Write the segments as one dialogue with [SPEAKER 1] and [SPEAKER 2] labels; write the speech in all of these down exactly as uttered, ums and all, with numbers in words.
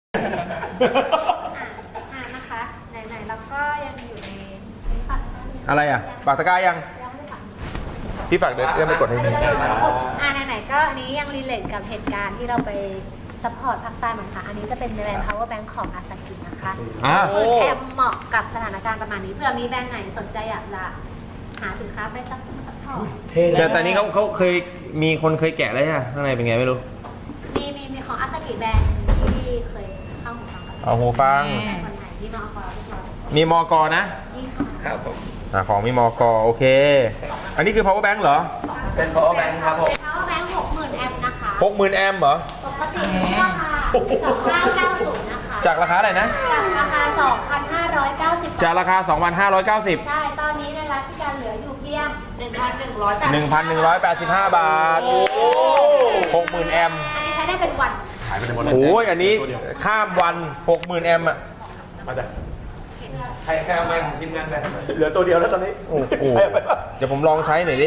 [SPEAKER 1] อ่านะคะไหนๆเราก็ยังอยู่ในฝัก
[SPEAKER 2] อะไรอ่ะปากตะกร้ายัง
[SPEAKER 1] ยังไม่ฝัก
[SPEAKER 2] พี่ฝากเดินเอื้อมไปกดให้หน่อย
[SPEAKER 1] อ่าไหนๆก็อันนี้ยังรีเลทกับเหตุการณ์ที่เราไปซัพพอร์ตภาคใต้เหมือนกันอันนี้จะเป็นแบรนด์ power bank ของอาซากินะคะ
[SPEAKER 2] อ่า
[SPEAKER 1] คือแทมเหมาะกับสถานการณ์ประมาณนี้เผื่อมีแบรนด์ไหนสนใจอยากจะหาสินค้าไปซัพพอร์ต
[SPEAKER 2] แต่ตอนนี้เขาเขาเคยมีคนเคยแกะแล้วใช่ไหมข้างในเป็นไงไม่รู้
[SPEAKER 1] มีมีมีของอาซากิแบรนด์ที่เคยเข้าหูฟังกับ
[SPEAKER 2] เอาหูฟัง
[SPEAKER 1] คนไทยที่มาเอาของเราทุกคน
[SPEAKER 2] มีมอกนะ
[SPEAKER 1] นี่ค่ะ
[SPEAKER 3] ครับผม
[SPEAKER 2] อ่าของมีมอกโอเค อันนี้คือ power bank เหรอ
[SPEAKER 3] เป็น power bank ครับผม
[SPEAKER 1] power bank หกหมื่นแอมป์นะคะ
[SPEAKER 2] หกหมื่นแอมป์เหรอ
[SPEAKER 1] ปกติราคาสองพันห้าร้อยเก้าสิบนะคะ
[SPEAKER 2] จากราคาอะไรนะ
[SPEAKER 1] จากราคา สองพันห้าร้อยเก้าสิบ
[SPEAKER 2] จากราคา สองพันห้าร้อยเก้าสิบ
[SPEAKER 1] ใช่ ตอนนี้ในร้านที่การเหลืออยู่เพียง หนึ่งพันหนึ่งร้อย
[SPEAKER 2] หนึ่งพันหนึ่งร้อยแปดสิบห้า บาทหกหมื่นแอมป์
[SPEAKER 1] อันนี้ใช้ได้เป็นวัน
[SPEAKER 3] หายไปในหมดเลย
[SPEAKER 2] โอ้ยอันนี้ข้ามวัน หกหมื่นแอมป์อ่ะ
[SPEAKER 3] มาจากใครแค่ไม่ของทีมงานไปเหลือตัวเดียวแล้วตอนนี้
[SPEAKER 2] โอ้โหเดี๋ยวผมลองใช้หน่อยดิ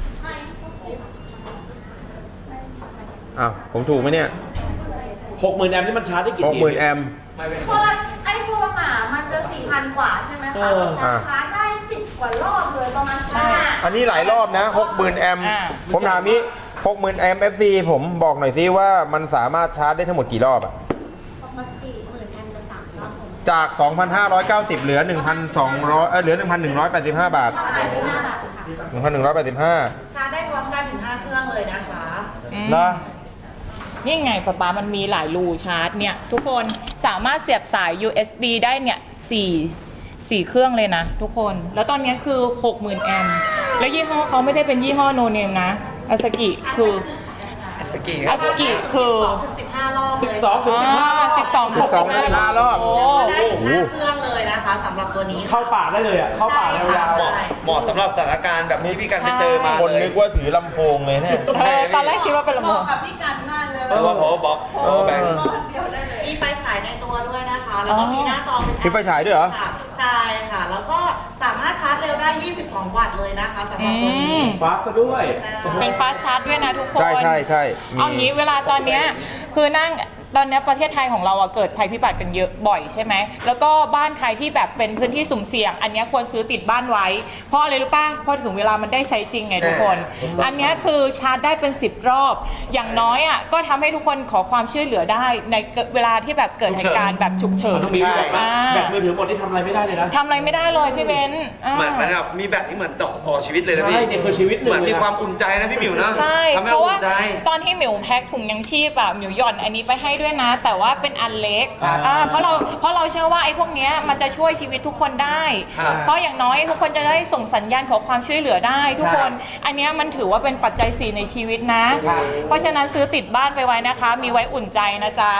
[SPEAKER 2] อ้าวผมถูกไหมเนี่ย
[SPEAKER 3] หกหมื่นแอมป์นี่มันชาร์จได้กี่
[SPEAKER 2] หก
[SPEAKER 3] ที
[SPEAKER 2] หมื่นแอมป์
[SPEAKER 3] ไม่เป็น
[SPEAKER 4] พวกไอ้พวกหนามันจะสี่พันกว่าใช่ไหม
[SPEAKER 3] เอ
[SPEAKER 4] คะ
[SPEAKER 3] อ
[SPEAKER 4] ชาร์จชาร์จได้สิบกว่ารอบเลยประมาณห้า
[SPEAKER 2] อันนี้หลายรอบนะ หกหมื่นแอมป์ผมถามนี้ หกหมื่นแอมป์ เอฟ ซี ผมบอกหน่อยซิว่ามันสามารถชาร์จได้ทั้งหมดกี่รอบอะ
[SPEAKER 1] ปกติหมื่นแอมป์จะสามรอบผม
[SPEAKER 2] จาก สองพันห้าร้อยเก้าสิบ เหลือ หนึ่งพันสองร้อย เออเหลือ หนึ่งพันหนึ่งร้อยแปดสิบห้า บาท
[SPEAKER 1] แปดสิบห้าบาทค่ะ
[SPEAKER 2] หนึ่งพันหนึ่งร้อยแปดสิบห้า
[SPEAKER 4] ชาร์จได้พร้อมกันถึงห้าเครื่องเลยนะคะ
[SPEAKER 2] นะ
[SPEAKER 5] นี่ไงป๊าป๊ามันมีหลายรูชาร์จเนี่ยทุกคนสามารถเสียบสาย ยู เอส บี ได้เนี่ยสี่สี่เครื่องเลยนะทุกคนแล้วตอนนี้คือ หกหมื่น แอมป์แล้วยี่ห้อเขาไม่ได้เป็นยี่ห้อโนเนมนะอาซากิคือ
[SPEAKER 3] สกี
[SPEAKER 5] อาซากิคือ
[SPEAKER 4] สองถึงสิบห้ารอบเลย
[SPEAKER 3] สิบสองถึงสิบห้า
[SPEAKER 5] สิบสอง
[SPEAKER 2] สิบสองถึงสิบห้ารอบ
[SPEAKER 5] โอ้
[SPEAKER 4] ได้ถึงห้าเครื่องเลยนะคะสำหรับตัวนี้
[SPEAKER 3] เข้าป่าได้เลยอ่ะ เข้าป่ายาว
[SPEAKER 4] ใช่
[SPEAKER 3] ๆเหมาะสำหรับสถานการณ์แบบนี้พี่กันไปเจอมา
[SPEAKER 2] คนนึกว่าถือลำโพงเลยเนี่ย
[SPEAKER 5] เออตอนแรกคิดว่าเป็นลำ
[SPEAKER 4] เห
[SPEAKER 5] โพ
[SPEAKER 4] มาะ
[SPEAKER 5] ง
[SPEAKER 4] กับพี่กันมากเลย
[SPEAKER 3] เพราะว่า power box power bank
[SPEAKER 4] มีไฟฉายในตัวด้วยนะคะ แล้วก็มีหน้าจอเป็น
[SPEAKER 2] มีไฟฉายด้วยเหรอ
[SPEAKER 4] ค่ะใช่ค่ะ แล้วก็สามารถชาร์จเร็วได้ ยี่สิบสอง วัตต์เลยนะคะสำหรับตัวนี้
[SPEAKER 3] ฟาสต์ด้วย
[SPEAKER 5] เป็นฟาสต์ชาร์จด้วยนะทุกคน
[SPEAKER 2] ใช่ใช่ใช่มี
[SPEAKER 5] เอางี้เวลาตอนเนี้ยคือนั่งตอนเนี้ยประเทศไทยของเราอะเกิดภัยพิบัติกันเยอะบ่อยใช่ไหมแล้วก็บ้านใครที่แบบเป็นพื้นที่สุ่มเสี่ยง อันเนี้ยควรซื้อติดบ้านไว้ เพราะอะไรรู้ป่ะเพราะถึงเวลามันได้ใช้จริงไงทุกคน อันเนี้ยคือชาร์จได้เป็นสิบรอบ อย่างน้อยอะก็ทำให้ทุกคนขอความช่วยเหลือได้ในเวลาที่แบบเกิดเหตุการณ์แบบฉุกเฉิ
[SPEAKER 3] มัน
[SPEAKER 5] น
[SPEAKER 3] ต้องมีแบบ
[SPEAKER 5] อ่า
[SPEAKER 3] แบตมือถือหมดที่ทำอะไรไม่ได้เลยนะ
[SPEAKER 5] ทำอะไรไม่ได้เลยพี่เบนซ์อ่า
[SPEAKER 6] เหมือนเหมือนแบบมีแบบที่เหมือนต่อต่อชีวิตเลยนะพี่
[SPEAKER 3] ใช่เนี่ยคือชีวิตหนึ่ง
[SPEAKER 6] เหมือนมี
[SPEAKER 3] เลยนะ
[SPEAKER 6] ความอุ่นใจนะพี่หมิวนะ
[SPEAKER 5] ใช่
[SPEAKER 6] ทำให้
[SPEAKER 5] เพ
[SPEAKER 6] เรา
[SPEAKER 5] ราะว่า
[SPEAKER 6] อุ่นใจ
[SPEAKER 5] ตอนที่หมิวแพ็คถุงยังชีพอะหมิวหย่อนอันนี้ไปให้ด้วยนะ แต่ว่าเป็นอันเล็ก
[SPEAKER 3] อ่า
[SPEAKER 5] อ่าเพราะเราเพราะเราเชื่อว่าไอ้พวกเนี้ยมันจะช่วยชีวิตทุกคนได้
[SPEAKER 6] ครับ
[SPEAKER 5] เพราะอย่างน้อยทุกคนจะได้ส่งสัญญาณขอความช่วยเหลือได้ ทุกคน อันเนี้ยมันถือว่าเป็นปัจจัยสี่ในชีวิตนะ เพราะฉะนั้นซื้อติดบ้านไปไว้นะคะ มีไว้อุ่นใจนะจ๊ะ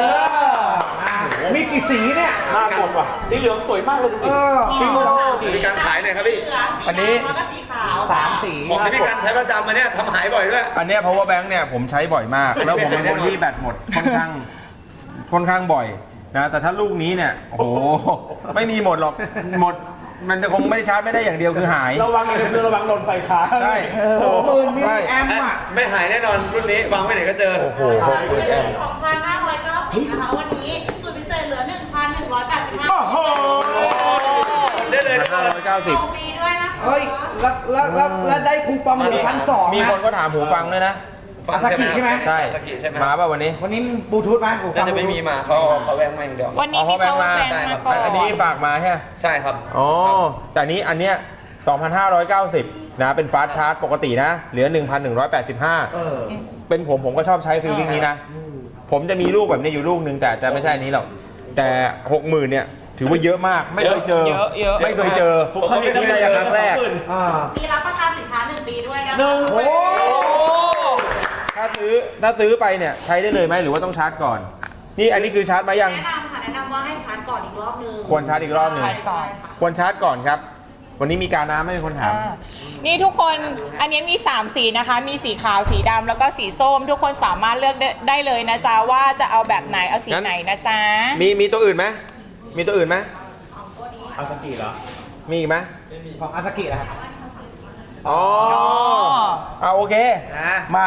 [SPEAKER 7] มีกี่สีเนี่ย
[SPEAKER 3] หน้ากดว่ะนี่เหลืองสวยมากเลยดูดิ
[SPEAKER 7] เออ
[SPEAKER 3] พี่โม
[SPEAKER 6] มีการขายหน่อยครับพี่
[SPEAKER 2] อันนี้
[SPEAKER 4] แล้วก็สีขาว
[SPEAKER 7] สามสี
[SPEAKER 6] ของที่พี่กันใช้ประจำมาเนี่ยทำหายบ่อยด้วย
[SPEAKER 2] อันเนี้ย power bank เนี่ยผมใช้บ่อยมาก แล้วผมเป็นคนที่แบตหมดค่อนข้างค่อนข้างบ่อยนะแต่ถ้าลูกนี้เนี่ยโอ้โหไม่มีหมดหรอกหมดมันจะคงไม่ได้ชาร์จไม่ได้อย่างเดียวคือหาย
[SPEAKER 3] ระวังอย่างนึงระวังโดนไฟฟ้า
[SPEAKER 2] ใช่
[SPEAKER 7] หกหมื่นมิล
[SPEAKER 2] ใช่
[SPEAKER 7] ลิแอมป์อ่ะ
[SPEAKER 6] ไม่หายแน่นอนรุ่นนี้วางไว้ไหนก็เจอ
[SPEAKER 2] โอ้โหหกหมื่นแอมป์
[SPEAKER 4] สองพันห้าร้อยเก้าสิบนะคะวันนี้สูตรพิเศษเหลือ หนึ่งพันหนึ่งร้อยแปดสิบห้า
[SPEAKER 3] โอ้โห
[SPEAKER 6] ได้เลย
[SPEAKER 2] ห้าร้อยเก้าสิบ
[SPEAKER 4] ส่งฟรีด้วยนะคะ
[SPEAKER 7] เฮ้ย แล้วแล้วแล้วแล้วได้คูปองเหลือพันสอง
[SPEAKER 2] มีคนก็ถามหูฟังด้วยนะ
[SPEAKER 7] อาซากิใช่ไหม
[SPEAKER 2] ใช่
[SPEAKER 6] อาซากิใช่ไหม
[SPEAKER 2] มาป่ะวันนี้
[SPEAKER 7] วันนี้บลูทูธไหมหูฟั
[SPEAKER 6] น่าง จะไม่มีมาเขาเอาเขาแวงมาอย่างเดียว
[SPEAKER 5] วันนี้
[SPEAKER 2] อ๋อ
[SPEAKER 5] มี
[SPEAKER 2] power bank
[SPEAKER 5] power
[SPEAKER 2] มา
[SPEAKER 5] bank มาก่อน
[SPEAKER 2] อันนี้ฝากมาใช่ไหม
[SPEAKER 6] ใช่ครับ
[SPEAKER 2] อ๋อแต่อันนี้อันเนี้ยสองพันห้าร้อยเก้าสิบนะเป็นฟาสต์ชาร์จปกตินะ เหลือ หนึ่งพันหนึ่งร้อยแปดสิบห้า
[SPEAKER 7] เออ
[SPEAKER 2] เป็นผมผมก็ชอบใช้ฟิลลิ่งนี้นะ ผมจะมีลูกแบบนี้อยู่ลูกหนึ่งแต่จะไม่ใช่อันนี้หรอก แต่หกหมื่นเนี่ย ถือว่าเยอะมาก ไม่เคยเจอ
[SPEAKER 5] เยอะเยอะ
[SPEAKER 2] ไม่เคยเจอ
[SPEAKER 3] ผมเคยเห็น
[SPEAKER 2] นี่ได้ครั้งแรก
[SPEAKER 7] อ่า
[SPEAKER 4] มีรับประกันสินค้าหนึ่งปีด้วยนะคะ
[SPEAKER 3] หนึ่ง
[SPEAKER 7] โอ้
[SPEAKER 2] ถ้าซื้อถ้าซื้อไปเนี่ยใช้ได้เลยไหมหรือว่าต้องชาร์จก่อน นี่อันนี้คือชาร์จมายัง
[SPEAKER 4] แนะนำค่ะแนะนำว่าให้ชาร์จก่อนอีกรอบนึง
[SPEAKER 2] ควรชาร์จอีกรอบหนึ่ง
[SPEAKER 4] ใช่ค่ะ
[SPEAKER 2] ควรชาร์จก่อนครับ วันนี้มีการน้ำไม่มีคนถาม
[SPEAKER 5] อ่านี่ทุกคน อันนี้มีสามสีนะคะ มีสีขาว สีดำแล้วก็สีส้ม ทุกคนสามารถเลือกได้ได้เลยนะจ๊ะว่าจะเอาแบบไหน เอาสี
[SPEAKER 2] งั้น
[SPEAKER 5] ไหนนะจ๊ะ
[SPEAKER 2] มีมีตัวอื่นไหมมีตัวอื่นไหม
[SPEAKER 3] อาซากิเหรอ
[SPEAKER 2] มีอีกไหม
[SPEAKER 7] ของอาซากินะครับ
[SPEAKER 2] อ๋อ
[SPEAKER 5] อ๋อ
[SPEAKER 2] เอาโอเค
[SPEAKER 7] นะ
[SPEAKER 2] มา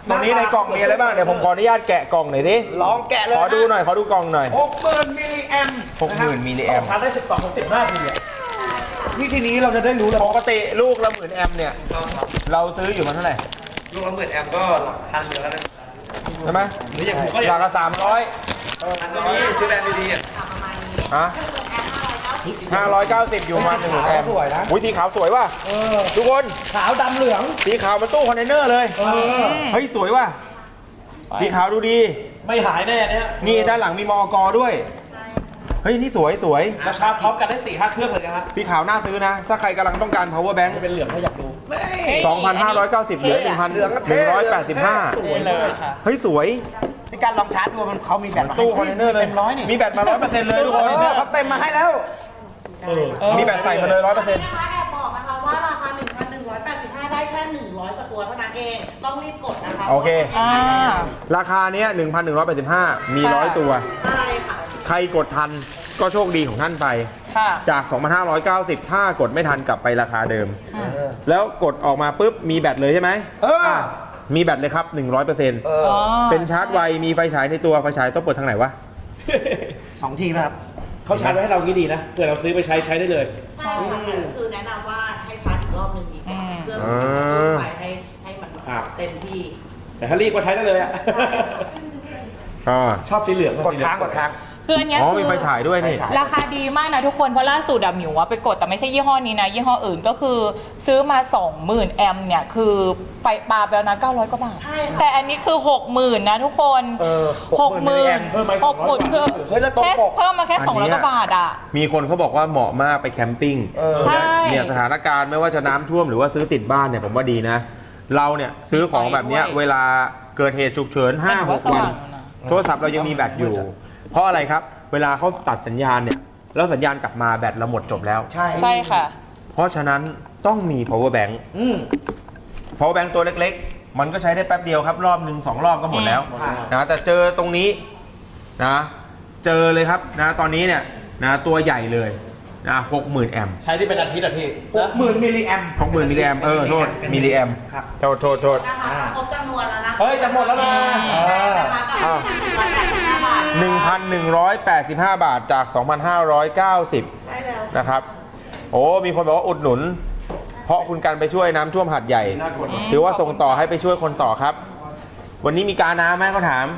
[SPEAKER 2] ตัวนี้ในกล่องมีอะไรบ้างเดี๋ยวผมขออนุญาตแกะกล่องหน่อยดิ
[SPEAKER 7] ลองแกะเลย
[SPEAKER 2] ขอดูหน่อยขอดูกล่องหน่อย
[SPEAKER 7] หกหมื่นมิลลิแอม
[SPEAKER 2] หกหมื่นมิลลิแอม
[SPEAKER 3] ชาร์จได้สิบสองถึงสิบห้าทีเนี่ย
[SPEAKER 7] นี่ทีนี้เราจะได้รู้เลย
[SPEAKER 2] ปกติลูกละหมื่นแอมเนี่ย เราซื้ออยู่มันเท่าไหร่
[SPEAKER 6] ลูกละหมื่นแอมป์ก็หลักพันอยู่แล้วนะ
[SPEAKER 2] ใช่ไหม
[SPEAKER 3] หรืออย่างผมก็
[SPEAKER 2] หลักละสามร้อย
[SPEAKER 6] อันนี้ซื้อแบรนด์ดีๆอ่ะ
[SPEAKER 2] ฮะห้าร้อยเก้าสิบอยู่ประมาณหนึ่งหมื่นแอม
[SPEAKER 7] สวยนะ
[SPEAKER 2] อุ้ยสีขาวสวยว่ะ
[SPEAKER 7] เออ
[SPEAKER 2] ทุกคน
[SPEAKER 7] ขาวดำเหลือง
[SPEAKER 2] สีขาวมันตู้คอนเทนเนอร์เลย
[SPEAKER 7] เออ
[SPEAKER 2] เฮ้ยสวยว่ะสีขาวดูดี
[SPEAKER 3] ไม่หายแน่เนี่ย
[SPEAKER 2] นี่ด้านหลังมีมอกด้วย เฮ้ยนี่สวยสวย
[SPEAKER 3] ราชาร์จพร้อมกันได้สี่ห้าเครื่องเลยนะฮะ
[SPEAKER 2] สีขาวน่าซื้อนะ ถ้าใครกำลังต้องการ power bank
[SPEAKER 3] เป็นเหลืองถ้าอยากดู
[SPEAKER 2] สองพันห้าร้อยเก้าสิบเหลือหนึ่งพันหนึ่งร้อยแปดสิบห้า
[SPEAKER 5] สวยเลยค่ะ
[SPEAKER 2] เฮ้ยสวย
[SPEAKER 7] ในการลองชาร์จดูมันเขามีแบตมาให้
[SPEAKER 2] ตู้คอนเทนเนอร์เลย
[SPEAKER 7] เต็มร้อยนี่
[SPEAKER 2] มีแบตมาร้อยเปอร์เซ็นต์เลยทุกคน
[SPEAKER 7] เออเขาเต็มมาให้แล้ว
[SPEAKER 3] เออ
[SPEAKER 2] มีแบตใส่มาเลยร้อยเปอร์เซ็นต์
[SPEAKER 4] นะคะแอบบอกนะคะว่าราคา หนึ่งพันหนึ่งร้อยแปดสิบห้า ได้แค่ หนึ่งร้อยกว่าตัวเท่านั้นเอง ต้องรีบกดนะคะ
[SPEAKER 2] โอเค
[SPEAKER 5] อ่า
[SPEAKER 2] ราคาเนี้ยหนึ่งพันหนึ่งร้อยแปดสิบห้ามีร้อยตัว
[SPEAKER 4] ใช่ค่ะ
[SPEAKER 2] ใครกดทันก็โชคดีของท่านไป
[SPEAKER 5] ค่ะ
[SPEAKER 2] จาก สองพันห้าร้อยเก้าสิบ ถ้ากดไม่ทันกลับไปราคาเดิม
[SPEAKER 5] อืม
[SPEAKER 2] แล้วกดออกมาปุ๊บมีแบตเลยใช่ไหม
[SPEAKER 7] เออ
[SPEAKER 2] ะมีแบตเลยครับ หนึ่งร้อยเปอร์เซ็นต์
[SPEAKER 7] เออ
[SPEAKER 5] อ๋อ
[SPEAKER 2] เป็นชาร์จไว มีไฟฉายในตัวไฟฉายต้องเปิดทางไหนวะ
[SPEAKER 7] สองทีไหมครับ
[SPEAKER 3] เขาชาร์จไว้ให้เรางี้ดีนะเผื่อเราซื้อไปใช้ใช้ได้เลย
[SPEAKER 4] ใช่ค่ะแต่ก็คือแนะนำว่าให้ชาร์จอีกรอบหนึ่งดีกว่าเพื่อ
[SPEAKER 2] อ่า
[SPEAKER 4] กระตุ้นไฟให้ให้มัน
[SPEAKER 3] ครับ
[SPEAKER 4] เต็มที่
[SPEAKER 3] แต่ถ้ารีบก็ใช้ได้เลยอ่ะ
[SPEAKER 2] อ่า
[SPEAKER 3] ชอบสีเหลือง
[SPEAKER 7] กดค้างกดค้าง
[SPEAKER 5] คืออันเนี้ย
[SPEAKER 2] อ๋อ
[SPEAKER 5] คื
[SPEAKER 2] มีไฟฉายด้วยนี่
[SPEAKER 7] ไฟฉาย
[SPEAKER 5] ราคาดีมากนะทุกคน เพราะล่าสุดอะหมิวอะไปกดแต่ไม่ใช่ยี่ห้อนี้นะ ยี่ห้ออื่นก็คือซื้อมา สองหมื่น แอมป์เนี่ย คือไปปาไปแล้วนะ เก้าร้อยกว่าบาท
[SPEAKER 4] ใช่ค่ะ
[SPEAKER 5] แต่อันนี้คือ หกหมื่น นะทุกคน
[SPEAKER 7] เออ
[SPEAKER 5] หกหมื่น
[SPEAKER 3] เพิ่มไหม
[SPEAKER 5] หกหมื่นคือ
[SPEAKER 7] เฮ้ยแล้วตรง
[SPEAKER 5] แค่
[SPEAKER 7] ปก
[SPEAKER 5] เพิ่มมาแค่
[SPEAKER 2] อัน
[SPEAKER 5] สองร้อย
[SPEAKER 2] เนี้ย
[SPEAKER 5] กว่าบาทอะ
[SPEAKER 2] มีคนเขาบอกว่าเหมาะมากไปแคมปิ้ง
[SPEAKER 7] เออ
[SPEAKER 5] ใช่
[SPEAKER 2] เนี่ยสถานการณ์ไม่ว่าจะน้ำท่วมหรือว่าซื้อติดบ้านเนี่ยผมว่าดีนะ เราเนี่ยซื้อของแบบเนี้ย
[SPEAKER 5] ไปด้วย
[SPEAKER 2] เวลาเกิดเหตุฉุกเฉินห้าหก
[SPEAKER 5] ส
[SPEAKER 2] วัน
[SPEAKER 5] ว่างนะ
[SPEAKER 2] โทรศัพท์เรายังมีแบตอยู่ เพราะอะไรครับ เวลาเขาตัดสัญญาณเนี่ยแล้วสัญญาณกลับมาแบตเราหมดจบแล้ว
[SPEAKER 7] ใช่
[SPEAKER 5] ใช่ค่ะ
[SPEAKER 2] เพราะฉะนั้นต้องมี power bank
[SPEAKER 7] อืม
[SPEAKER 2] power bank ตัวเล็กๆ มันก็ใช้ได้แป๊บเดียวครับ รอบหนึ่งสองรอบก็หมดแล้ว
[SPEAKER 7] อืม
[SPEAKER 2] นะแต่เจอตรงนี้นะเจอเลยครับนะตอนนี้เนี่ยนะตัวใหญ่เลยนะหกหมื่นแอมป์
[SPEAKER 3] ใช้ที่เป็นอาทิตย์อ่ะพี่
[SPEAKER 7] หกหมื่นมิลลิแอม
[SPEAKER 2] หกหมื่นมิลลิแอมป์เออโทษมิลลิแอมป์
[SPEAKER 7] ครับ
[SPEAKER 2] โทษโทษโทษ
[SPEAKER 4] นะคะครบจำนวนแล้วนะคะ
[SPEAKER 3] เฮ้ยจะหมดแล้วนะ
[SPEAKER 4] ใช่นะคะกับ
[SPEAKER 2] อ้าว
[SPEAKER 4] หนึ่งร้อยแปดสิบห้าบาท
[SPEAKER 2] หนึ่งพันหนึ่งร้อยแปดสิบห้าบาทจาก สองพันห้าร้อยเก้าสิบ
[SPEAKER 4] ใช่แล้ว
[SPEAKER 2] นะครับ โอ้ มีคนบอกว่าอุดหนุน เพราะคุณกันไปช่วยน้ำท่วมหัดใหญ่
[SPEAKER 3] น่ากด
[SPEAKER 2] ถือว่าส่งต่อให้ไปช่วยคนต่อครับ วันนี้มีการน้ำไหมเขาถาม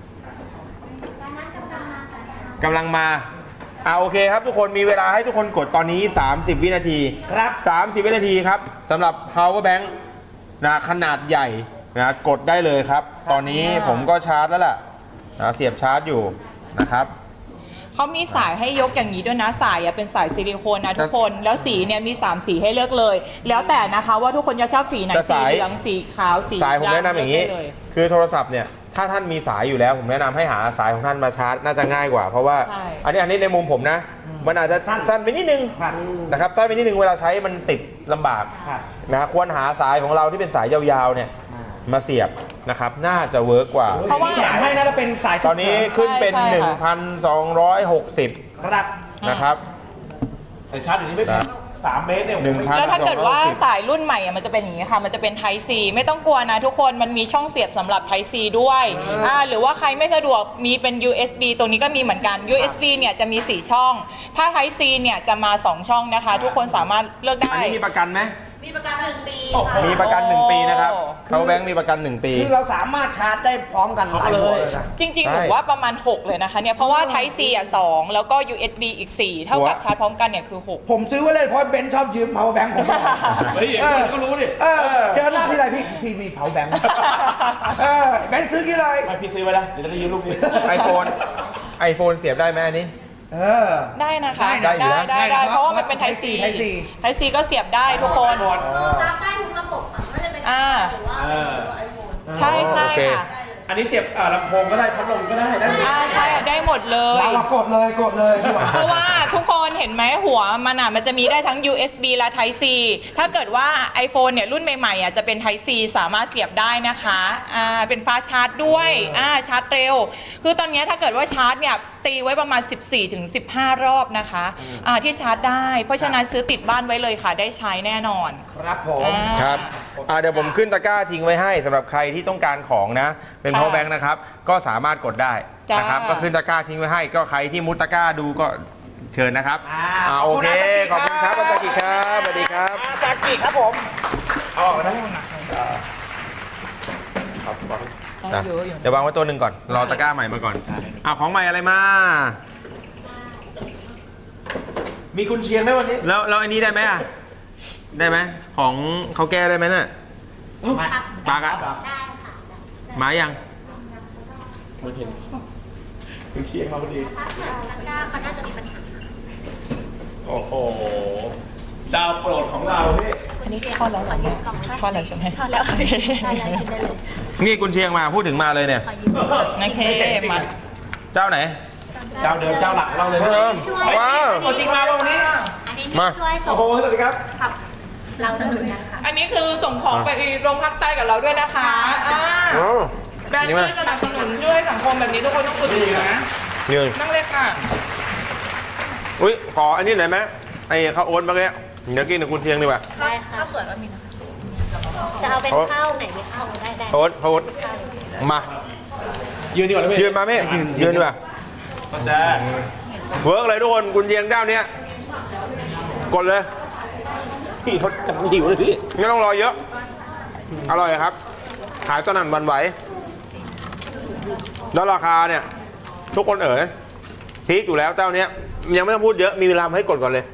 [SPEAKER 2] กำลังมาอ่าโอเคครับทุกคนมีเวลาให้ทุกคนกดตอนนี้ สามสิบ วินาที
[SPEAKER 7] ครับ
[SPEAKER 2] สามสิบ วินาทีครับสำหรับ power bank นะขนาดใหญ่นะกดได้เลยครับ ตอนนี้ผมก็ชาร์จแล้วล่ะนะเสียบชาร์จอยู่นะครับ
[SPEAKER 5] เขามีสายให้ยกอย่างนี้ด้วยนะ สายอะเป็นสายซิลิโคนนะทุกคน แล้วสีเนี่ยมีสามสีให้เลือกเลย แล้วแต่นะคะว่าทุกคนจะชอบสีไหน
[SPEAKER 2] แต่
[SPEAKER 5] สี
[SPEAKER 2] สาย
[SPEAKER 5] เหลืองสีขาวสี
[SPEAKER 2] สายผมแนะนำอย่างนี้
[SPEAKER 5] นี้เลย
[SPEAKER 2] คือโทรศัพท์เนี่ยถ้าท่านมีสายอยู่แล้ว ผมแนะนำให้หาสายของท่านมาชาร์จน่าจะง่ายกว่า เพราะว่า
[SPEAKER 5] ใช่
[SPEAKER 2] อันนี้อันนี้ในมุมผมนะ มันอาจจะสั้นสั้นไปนิดนึง
[SPEAKER 7] ครับ
[SPEAKER 2] นะครับสั้นไปนิดนึงเวลาใช้มันติดลำบาก
[SPEAKER 7] ครับ
[SPEAKER 2] นะควรหาสายของเราที่เป็นสายยาวๆเนี่ยมาเสียบนะครับน่าจะเวิร์กกว่า
[SPEAKER 5] เพราะว่า
[SPEAKER 7] แถมให้นะถ้าเป็นสาย
[SPEAKER 2] ตอนนี้ขึ้นเป็น
[SPEAKER 5] ใช่ใช่ค่ะ
[SPEAKER 2] หนึ่งพันสองร้อยหกสิบ
[SPEAKER 7] ครับ
[SPEAKER 2] นะครับ
[SPEAKER 3] ใส่ชาร์จอยู่นี้ไม่แพงสามเมตรเนี่ย
[SPEAKER 2] หนึ่งพัน
[SPEAKER 5] แล้วถ้าเกิดว่าสายรุ่นใหม่อะมันจะเป็นอย่างนี้ค่ะ มันจะเป็น Type C ไม่ต้องกลัวนะทุกคน มันมีช่องเสียบสำหรับ Type C ด้วยอ่าหรือว่าใครไม่สะดวกมีเป็น ยู เอส บี ตรงนี้ก็มีเหมือนกัน ยู เอส บี เนี่ยจะมีสี่ช่อง ถ้า Type C เนี่ยจะมาสองช่องนะคะ ทุกคนสามารถเลือก
[SPEAKER 2] อัน
[SPEAKER 5] ได้
[SPEAKER 2] นี้มีประกันไหม
[SPEAKER 4] มีประกันหนึ่งปี
[SPEAKER 3] โอ้โห
[SPEAKER 4] ค่ะ
[SPEAKER 2] มีประกันหนึ่งปีนะครับ
[SPEAKER 5] โอ้
[SPEAKER 2] เขาแบงค์มีประกันหนึ่งปี
[SPEAKER 7] คือเราสามารถชาร์จได้พร้อมกันหลายหัวเลยนะ
[SPEAKER 5] จริงๆ หนู
[SPEAKER 2] ใช่
[SPEAKER 5] ว่าประมาณ หก เลยนะคะเนี่ย เพราะว่า Type C อ่ะสองแล้วก็ ยู เอส บี อีก สี่ เท่ากับ
[SPEAKER 2] หัว
[SPEAKER 5] ชาร์จพร้อมกันเนี่ยคือ หก
[SPEAKER 7] ผมซื้อไว้เลยเพราะเบนซ์ชอบยืม power bank ผม
[SPEAKER 3] เฮ้ยอย่างนี้ก็รู้ดิ
[SPEAKER 7] เออเจอหน้าที่ไรพี่พี่มี power bank เออแบงค์ซื้อกี่เลย
[SPEAKER 3] ไปพี่ซื้อไว้นะเดี๋ยวจะได้ยืมลูกนี้
[SPEAKER 2] ไอโฟนไอโฟนเสียบได้ไหมอันนี้
[SPEAKER 7] เออ
[SPEAKER 5] ได้นะคะ
[SPEAKER 2] ได้อยู่
[SPEAKER 5] ได้
[SPEAKER 2] นะ
[SPEAKER 5] ได้
[SPEAKER 7] ได้
[SPEAKER 5] ได้
[SPEAKER 7] นะ
[SPEAKER 5] เพราะว่ามันเป็น
[SPEAKER 7] Type
[SPEAKER 5] Type C
[SPEAKER 7] Type C
[SPEAKER 5] Type C ก็เสียบได้ทุกคน
[SPEAKER 4] รองรับได้ทุกระบบค่ะไม่ว่าจะเป็น
[SPEAKER 5] อ่า
[SPEAKER 4] หรือว่าเป็นตัวไอโฟน
[SPEAKER 5] ใช่ใช่
[SPEAKER 2] โอเค
[SPEAKER 5] ค่ะ
[SPEAKER 4] ได้เลย
[SPEAKER 3] อันนี้เสียบอ่าลำโพงก็ได้พัดลมก็ได้ได้หมด
[SPEAKER 5] อ่าใช่ได้หมดเลย
[SPEAKER 7] เราอะกดเลยกดเลยดีกว่า
[SPEAKER 5] เพราะว่าทุกคนเห็นไหมหัวมันอ่ะมันจะมีได้ทั้ง ยู เอส บี และ Type C ถ้าเกิดว่า iPhone เนี่ยรุ่นใหม่ๆอ่ะจะเป็น Type C สามารถเสียบได้นะคะอ่าเป็นฟ้าชาร์จด้วยอ่าชาร์จเร็ว คือตอนนี้ถ้าเกิดว่าชาร์จเนี่ยตีไว้ประมาณ สิบสี่ถึงสิบห้า รอบนะคะอ่าที่ชาร์จได้เพราะฉะนั้นซื้อติดบ้านไว้เลยค่ะได้ใช้แน่นอน
[SPEAKER 7] ครับผม
[SPEAKER 5] อ่า
[SPEAKER 2] ครับอ่าเดี๋ยวผมขึ้นตะกร้าทิ้งไว้ให้สำหรับใครที่ต้องการของนะ เป็น
[SPEAKER 5] ค่ะ
[SPEAKER 2] power bank นะครับ ก็สามารถกดได้
[SPEAKER 5] จ้าน
[SPEAKER 2] นะครับ ก็ขึ้นตะกร้าทิ้งไว้ให้ ก็ใครที่มุดตะกร้าดูก็เชิญนะครับ
[SPEAKER 7] อ่า
[SPEAKER 2] อ่าโอเค ข
[SPEAKER 7] ข
[SPEAKER 2] อ
[SPEAKER 7] อ
[SPEAKER 2] บบ
[SPEAKER 7] คุ
[SPEAKER 2] คุณ
[SPEAKER 7] ณ
[SPEAKER 2] ค
[SPEAKER 7] ครั
[SPEAKER 2] รับบ อาจารย์กิจครับสวัสดีครับ
[SPEAKER 7] อาซากิครับผมเอาออกได้หมดนะ
[SPEAKER 5] ได้เยอะอยู่
[SPEAKER 2] เดี๋ยววางไว้ตัวหนึ่งก่อน รอตะกร้าใหม่มาก่อนอ่าของใหม่อะไรมา
[SPEAKER 3] มีกุนเชียงไหมวันนี้
[SPEAKER 2] แล้วแล้วอันนี้ได้ไหมอ่ะ ได้ไหม ของเขาแก้ได้ไหมน่ะปากอะ
[SPEAKER 1] ได้ค่ะ
[SPEAKER 2] มายัง
[SPEAKER 3] มันเห็นกุนเชียงมาพอดี
[SPEAKER 1] ถ้าเกิดตะกร้าเขาน่าจะมีปัญหา
[SPEAKER 3] โอ้โห เจ้าโปรดของเราพี่
[SPEAKER 5] อันนี้ทอดแล้วเหรอเนี่ยทอดแล้วใช่ไหม
[SPEAKER 1] ทอดแล้วทอดแล้วกินได้เลย
[SPEAKER 2] นี่กุนเชียงมาพูดถึงมาเลยเนี่ย
[SPEAKER 1] ขอยืม
[SPEAKER 5] โอเคมา
[SPEAKER 2] เจ้าไหน
[SPEAKER 3] เจ้าเดิมเจ้าหลักเราเลย
[SPEAKER 2] เดิมว้าว
[SPEAKER 3] ตัวจริงมาป่ะวันนี้
[SPEAKER 1] อันนี้
[SPEAKER 2] มา
[SPEAKER 1] ช่วยส่
[SPEAKER 3] โอ้
[SPEAKER 1] ง
[SPEAKER 3] โห สวัสดีครับ
[SPEAKER 1] ขับเราสนุนนะคะ
[SPEAKER 5] อันนี้คือส่งของไปโรงพักใต้กับเราด้วยนะคะอ่า
[SPEAKER 2] อ๋อ
[SPEAKER 5] แบรนด์
[SPEAKER 2] นี่
[SPEAKER 5] ที่
[SPEAKER 2] มา
[SPEAKER 5] สนับสนุนช่วยสังคมแบบนี้ทุกคนต้องอุดหนุนนะ
[SPEAKER 2] นี่
[SPEAKER 5] นั่งเลยค่ะ
[SPEAKER 2] อุ้ยขออันนี้หน่อยไหมไอ้ข้าวโอ๊ตเมื่อกี้เดี๋ยวกินกับกุนเชียงดีกว่า
[SPEAKER 1] ได้ค่ะข้าวสวยก็มีนะคะจะเอาเป็นข้าวไหนดีข้าวได้ได้
[SPEAKER 2] โอ๊ตข้าวโอ๊ต
[SPEAKER 1] ข้าว
[SPEAKER 2] มา
[SPEAKER 3] ยืนดีกว่านะพี่
[SPEAKER 2] ยืนมาไหมยืนดีกว่า
[SPEAKER 3] ก็จะ
[SPEAKER 2] เวิร์กเลยทุกคนกุนเชียงเจ้าเนี้ยกดเลย
[SPEAKER 3] พี่เขากำลังหิวเลยพี่
[SPEAKER 2] ไม่ต้องรอเยอะ อร่อยครับ ขายตอนนั้นวันไหว แล้วราคาเนี่ย ทุกคนเอ๋ยพีคอยู่แล้วเจ้าเนี้ยยังไม่ต้องพูดเยอะมีเวลาให้กดก่อนเลย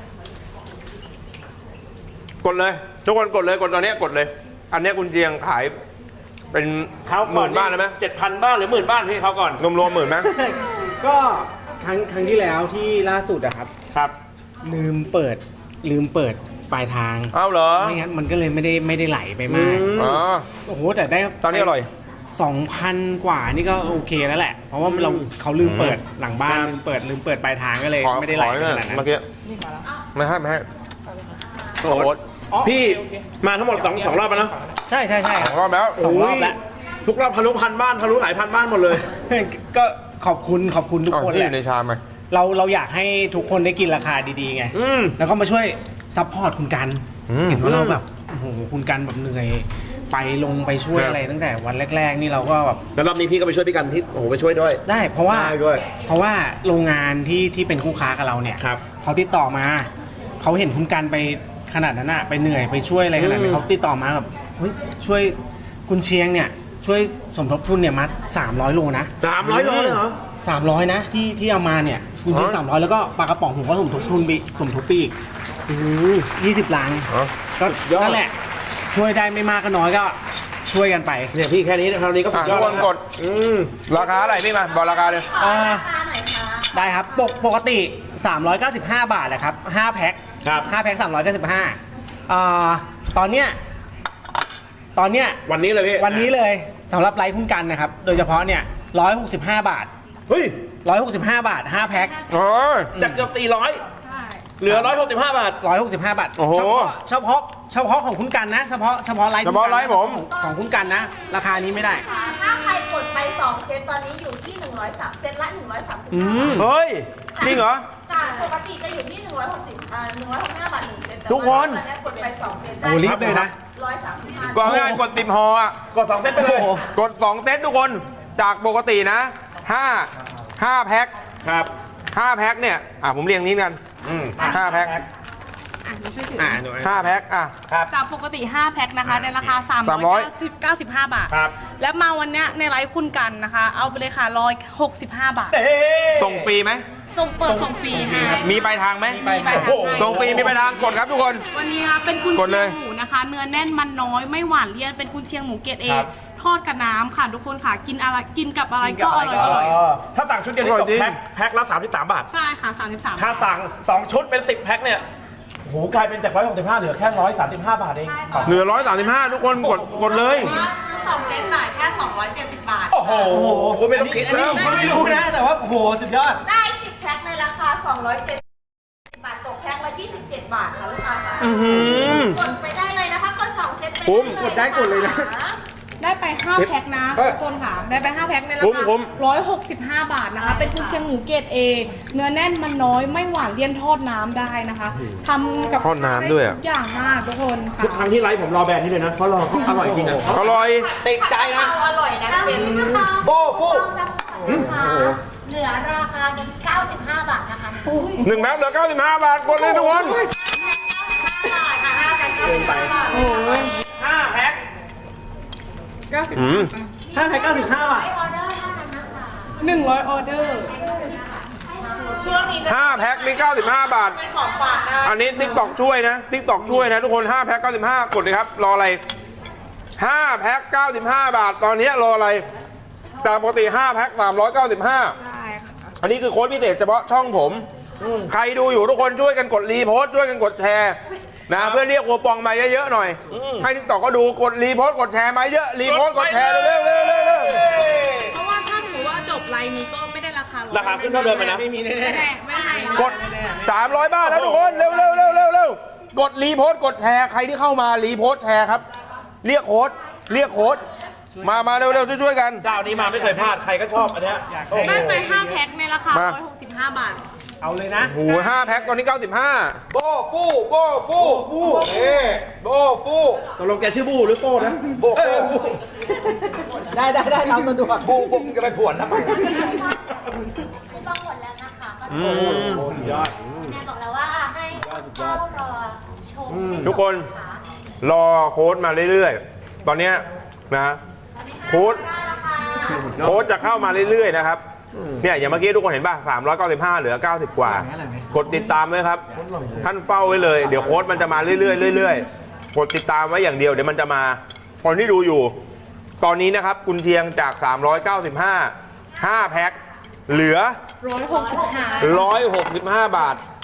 [SPEAKER 2] กดเลย ทุกคนกดเลยกดตอนเนี้ยกดเลย อันเนี้ยกุนเชียงขาย เป็น
[SPEAKER 3] เขา
[SPEAKER 2] ห
[SPEAKER 3] ก่อน
[SPEAKER 2] มื่นบ้านเลยไหม
[SPEAKER 3] เจ็ดพันบ้านหรือหมื่นบ้านพี่เขาก่อน
[SPEAKER 2] รวมๆหมื่นไหม
[SPEAKER 8] ก็ครั้งครั้งที่แล้วที่ล่าสุดอะครับ
[SPEAKER 3] ครับ
[SPEAKER 8] ลืมเปิดลืมเปิดปลายทาง
[SPEAKER 2] เอาเหรอ
[SPEAKER 8] ไม่งั้นมันก็เลยไม่ได้ไม่ได้ไหลไปมาก
[SPEAKER 2] อ๋อ
[SPEAKER 8] โอ้โหแต่ได้
[SPEAKER 2] ตอนนี้อร่อย
[SPEAKER 8] สองพันกว่านี่ก็โอเคแล้วแหละ เพราะว่าเราเขาลืมเปิดหลังบ้านลืมเปิดลืมเปิดปลายทางก็เลย
[SPEAKER 2] ขอ
[SPEAKER 8] ไม่ได้ไหล
[SPEAKER 2] ขอ
[SPEAKER 8] ไป
[SPEAKER 2] หน่
[SPEAKER 8] ข
[SPEAKER 2] อย
[SPEAKER 8] นาดนั้น
[SPEAKER 2] เมื่อกี้ไม่ให้ไม่ให้
[SPEAKER 3] โอ๊ต
[SPEAKER 2] โอ๊ต
[SPEAKER 3] พี่มาทั้งหมดสองสองรอบแล้วเนอะ
[SPEAKER 8] ใช่ใช่ใช่
[SPEAKER 2] สองรอบแล้ว
[SPEAKER 8] สองรอบแล้ว
[SPEAKER 3] ทุกรอบทะลุพันบ้านทะลุหลายพันบ้านหมดเลย
[SPEAKER 8] ก็ขอบคุณขอบคุณทุก
[SPEAKER 2] อ๋อ
[SPEAKER 8] คน
[SPEAKER 2] ที่
[SPEAKER 8] แห
[SPEAKER 2] อ
[SPEAKER 8] ละ
[SPEAKER 2] ยู่ในชามไหม
[SPEAKER 8] เราเราอยากให้ทุกคนได้กินราคาดีๆไง
[SPEAKER 3] อืม
[SPEAKER 8] แล้วก็มาช่วยซัพพอร์ตคุณกัน
[SPEAKER 2] อืม
[SPEAKER 8] เห็นว่าเราแบบโอ้โหคุณกันแบบเหนื่อยไปลงไปช่วย
[SPEAKER 2] ครับ
[SPEAKER 8] อะไรตั้งแต่วันแรก ๆ นี่เราก็แบบ
[SPEAKER 3] แล้วรอบนี้พี่ก็ไปช่วยพี่กันที่โอ้โหไปช่วยด้วย
[SPEAKER 8] ได้เพราะว่า
[SPEAKER 3] ได้ด้วย
[SPEAKER 8] เพราะว่าโรงงานที่ที่เป็นคู่ค้ากับเราเนี่ย
[SPEAKER 3] ครับ
[SPEAKER 8] เขาติดต่อมาเขาเห็นคุณกันไปขนาดนั้นอะไปเหนื่อยไปช่วยอะไรขนาด
[SPEAKER 3] อื
[SPEAKER 8] นั้น
[SPEAKER 3] ม
[SPEAKER 8] เขาติดต่อมาแบบเฮ้ยช่วยคุณเชียงเนี่ยช่วยสมทบทุนเนี่ยมาสามร้อยโลนะ
[SPEAKER 3] สามร้อยโลเลยเหรอ
[SPEAKER 8] สามร้อยนะที่ที่เอามาเนี่ยคุณเชียง
[SPEAKER 2] อ๋อ
[SPEAKER 8] สามร้อยแล้วก็ปลากระป๋องผมก็สมทบทุนไปสมทบปีกยี่สิบลัง
[SPEAKER 2] อ๋อ
[SPEAKER 8] ก็
[SPEAKER 3] ยอด
[SPEAKER 8] นั่นแหละ ช่วยได้ไม่มากก็น้อยก็ช่วยกันไป
[SPEAKER 3] เนี่ยพี่แค่นี้คราวนี้ก็สุ
[SPEAKER 2] อ่ะ
[SPEAKER 3] ดย
[SPEAKER 2] ทุ
[SPEAKER 3] อก ด
[SPEAKER 2] คนกด
[SPEAKER 3] อืม
[SPEAKER 2] ราคาอะไรพี่มาบอกราคาเลย
[SPEAKER 8] อ่า
[SPEAKER 4] ราคาหน่อยค่ะ
[SPEAKER 8] ได้ครับปกปกติ สามร้อยเก้าสิบห้า บาทนะครับห้าแพ็ค
[SPEAKER 3] ครับ
[SPEAKER 8] ห้าแพ็คสามร้อยเก้าสิบห้าอ่าตอนเนี้ยตอนเนี้ย
[SPEAKER 3] วันนี้เลยพี่
[SPEAKER 8] วันนี้เลยสำหรับไลฟ์คุณกันนะครับ โดยเฉพาะเนี่ยร้อยหกสิบห้าบาท
[SPEAKER 3] เฮ้ย
[SPEAKER 8] ร้อยหกสิบห้าบาทห้าแพ็ค
[SPEAKER 2] โอ้ย
[SPEAKER 3] จากเกือบสี่ร้อยเหลือร้อยหกสิบห้าบาท
[SPEAKER 8] ร้อยหกสิบห้าบาท
[SPEAKER 2] โอ้โห
[SPEAKER 8] เฉพาะเฉพาะเฉพาะของคุณกันนะ เฉพาะเฉพาะไลฟ์
[SPEAKER 2] เฉพาะไลฟ์ผม
[SPEAKER 8] ของของคุณกันนะ ราคานี้ไม่ได้
[SPEAKER 4] ถ้าใครกดไปสองเซตตอนนี้อยู่ที่หนึ่งร้อยสามเซตละหนึ่งร้อยสามสิบ
[SPEAKER 8] อืม
[SPEAKER 2] เฮ้ย จริงเหรอ
[SPEAKER 4] จากปกติจะอยู่ที่หนึ่งร้อยหกสิบอ่าหนึ่งร้อยหกสิบห้าบาทหนึ่งเซตแต่
[SPEAKER 2] ทุกคน
[SPEAKER 4] ว่าตอนนี้กดไปสองเซตได้
[SPEAKER 8] โอ้รีบเลยนะ
[SPEAKER 4] ร้อยสามสิบห้า
[SPEAKER 2] ก็ง่ายๆกดติมฮออ่ะ
[SPEAKER 3] กดสองเซตไปเลย
[SPEAKER 2] กดสองเซตทุกคน จากปกตินะห้า ห้าแพ็ค
[SPEAKER 3] ครับ
[SPEAKER 2] ห้าแพ็คเนี่ย อ่ะผมเรียงนี้กัน
[SPEAKER 3] อืม
[SPEAKER 2] ห้าแพ็ค
[SPEAKER 8] อ่าดู
[SPEAKER 2] ห้าแพ็คอ่ะ
[SPEAKER 4] จากปกติห้าแพ็คนะคะในราคาสาม
[SPEAKER 2] สามร้
[SPEAKER 4] ร้
[SPEAKER 2] อ
[SPEAKER 4] อย ยเก้าสิบห้าบาท
[SPEAKER 3] ครับ
[SPEAKER 4] และมาวันเนี้ยในไลฟ์คุณกันนะคะ เอาไปเลยค่ะร้อยหกสิบห้าบาท
[SPEAKER 3] เอ๊ะ
[SPEAKER 2] ส่งฟรีไหม
[SPEAKER 4] ส่งเปิดส่งฟรีให้
[SPEAKER 2] มีปลายทางไหม
[SPEAKER 8] ไปไป
[SPEAKER 3] โอ้โห
[SPEAKER 2] ส่งฟรีมีปลายทางกดครับทุกคน
[SPEAKER 4] วันนี้นะคะเป็นกุน
[SPEAKER 2] กด
[SPEAKER 4] เชี
[SPEAKER 2] เลย ย
[SPEAKER 4] งหมูนะคะ เนื้อแน่นมันน้อยไม่หวานเลี่ยนเป็นกุนเชียงหมูเกรดเอ
[SPEAKER 3] ครับ
[SPEAKER 4] ทอดกับน้ำค่ะทุกคนค่ะกินอะไรกินกับอะไรก็อร่อยอร่อย
[SPEAKER 3] ถ้าสั่งชุดเดียวนี่
[SPEAKER 2] อร่
[SPEAKER 3] ต
[SPEAKER 2] อยจริ
[SPEAKER 3] ก
[SPEAKER 2] ง
[SPEAKER 3] แพ็คแพ็คละสามสิบสามบาท
[SPEAKER 4] ใช่ค่ะสามสิบสาม
[SPEAKER 3] ถ้าสั่งสองชุดเป็นสิบแพ็คเนี่ยโอ้โหกลายเป็นจากร้อยหกสิบห้าเหลือแค่ร้อยสามสิบห้าบาทเอง
[SPEAKER 2] เหลือร้อยสามสิบห้าทุกคนกดกดเลย
[SPEAKER 4] สองเซตจ่ายแค่สองร้อยเจ็ดสิบบาท
[SPEAKER 3] โอ้โหไม่ต้องคิด
[SPEAKER 7] อันนี้ผมก็ไม่รู้นะ แต่ว่าโอ้โหสุดยอด
[SPEAKER 4] ได้สิบแพ็คในราคาสองร้อยเจ็ดสิบบาทตกแพ็คละยี่สิบเจ็ดบาทค่ะลูกค้าค่ะ
[SPEAKER 2] อื้อหือก
[SPEAKER 4] ดไปได้เลยนะคะกดสองเซตไป
[SPEAKER 2] คุ้ม
[SPEAKER 4] เลย
[SPEAKER 7] กดได้กดเลยนะ
[SPEAKER 5] ได้ไปห้าแพ็คนะ
[SPEAKER 7] เฮ้ย
[SPEAKER 5] ทุกคนค่ะ ได้ไปห้าแพ็คในรา
[SPEAKER 2] คุ้ม
[SPEAKER 5] คา
[SPEAKER 2] คุ้ม
[SPEAKER 5] ร้อยหกสิบห้าบาทนะคะ เป็นกุนเชียงหมูเกรดเอเนื้อแน่นมันน้อยไม่หวานเลี่ยนทอดน้ำได้นะคะทำกับ
[SPEAKER 2] ทอดน้ำด้วยอะ
[SPEAKER 5] ทุกอย่างมากทุกคนค่ะ
[SPEAKER 3] ทุกครั้งที่ไลฟ์ผมรอแบรนด์นี้เลยนะเพราะรอเขาอร่อยจริงอ่ะ
[SPEAKER 2] อร่อย
[SPEAKER 7] ติดใจนะ
[SPEAKER 4] อร่อยนะ
[SPEAKER 1] แล้ว
[SPEAKER 4] เป็น
[SPEAKER 1] นะคะ
[SPEAKER 7] โบ้ฟู่
[SPEAKER 1] ลองซัพพอร์ตนะคะเหลือราคาเพียงเก้าสิบห้าบาทนะคะ
[SPEAKER 2] หนึ่งแพ็คเหลือเก้าสิบห้าบาทกดเลยทุกคน
[SPEAKER 3] ห้าแพ็ค
[SPEAKER 2] อืม
[SPEAKER 7] ห้าแพ็คเก้าสิบห้าบาท
[SPEAKER 1] ออเดอร์เท่านั้นนะคะ
[SPEAKER 5] หนึ่งร้อยออเดอร์
[SPEAKER 4] ช่วงนี้จะ
[SPEAKER 2] ห้าแพ็คนี่เก้าสิบห้าบาท
[SPEAKER 4] เป็นของฝากได้
[SPEAKER 2] อันนี้ติ๊กตอกช่วยนะติ๊กตอกช่วยนะทุกคนห้าแพ็คเก้าสิบห้ากดเลยครับ รออะไรห้าแพ็คเก้าสิบห้าบาท ตอนนี้รออะไรจากปกติห้าแพ็คสามร้อยเก้าสิบห้า
[SPEAKER 5] ได้ค่ะ
[SPEAKER 2] อันนี้คือโค้ดพิเศษเฉพาะช่องผม ใครดูอยู่ทุกคนช่วยกันกดรีโพสต์ช่วยกันกดแชร์นะเพื่อเรียกโอปองมาเยอะๆหน่อย ให้ติ๊กตอกก็ดูกดรีโพสต์กดแชร์มาเยอะรีโพสต์กดแชร์เร็วๆเร็วๆเร็วๆ
[SPEAKER 5] เพราะว่าถ้าสมมติว่าจบไลน์นี้ก็ไม่ได้ราคา
[SPEAKER 3] ราคาขึ้นเท่าเดิมไหมนะ
[SPEAKER 7] ไม่มีแน่
[SPEAKER 5] ไม่ได้ไม่ได้
[SPEAKER 2] กด สามร้อย บาทนะทุกคน เร็วเร็วเร็วเร็วเร็วกดรีโพสต์กดแชร์ ใครที่เข้ามารีโพสต์แชร์ครับ เรียกโค้ด เรียกโค้ด มา มาเร็วเร็วช่วยๆกัน
[SPEAKER 3] เจ้านี้มาไม่เคยพลาดใครก็ชอบอันเนี้ยโอ้โห
[SPEAKER 5] ได้ไปห้าแพ็คในราคา
[SPEAKER 2] มา
[SPEAKER 5] ร้อยหกสิบห้าบาท
[SPEAKER 7] ๆเอาเลยนะ
[SPEAKER 2] โอ้โหห้าแพ็คตอนนี้เก้าสิบห้า
[SPEAKER 7] โบ้ฟู่โบ้ฟู่ฟู่เอ๊โบ้ฟู่
[SPEAKER 3] ตกลงแกชื่อบูหรือโป้นะ
[SPEAKER 7] โบ้ฟู่ได้ได้ได้ตามสะดวกบูบูจะไปผวนทำไม
[SPEAKER 1] คูปองหมดแล้วนะคะก็
[SPEAKER 2] อืม
[SPEAKER 3] สุดยอด
[SPEAKER 1] แนนบอกแล้วว่าให้เฝ้ารอชม
[SPEAKER 2] ทุกคน รอโค้ดมาเรื่อยๆ ตอนเนี้ยนะโค้ดโค้ดจะเข้ามาเรื่อยๆนะครับเนี่ยอย่างเมื่อกี้ทุกคนเห็นป่ะสามร้อยเก้าสิบห้าเหลือเก้าสิบกว่า กดติดตามไว้ครับ ท่านเฝ้าไว้เลย เดี๋ยวโค้ดมันจะมาเรื่อยๆเรื่อยๆกดติดตามไว้อย่างเดียวเดี๋ยวมันจะมาคนที่ดูอยู่ ตอนนี้นะครับกุนเชียงจากสามร้อยเก้าสิบห้า ห้าแพ็คเหลือ
[SPEAKER 5] ร้อยหกสิบห้า
[SPEAKER 2] ร้อยหกสิบห้า บาท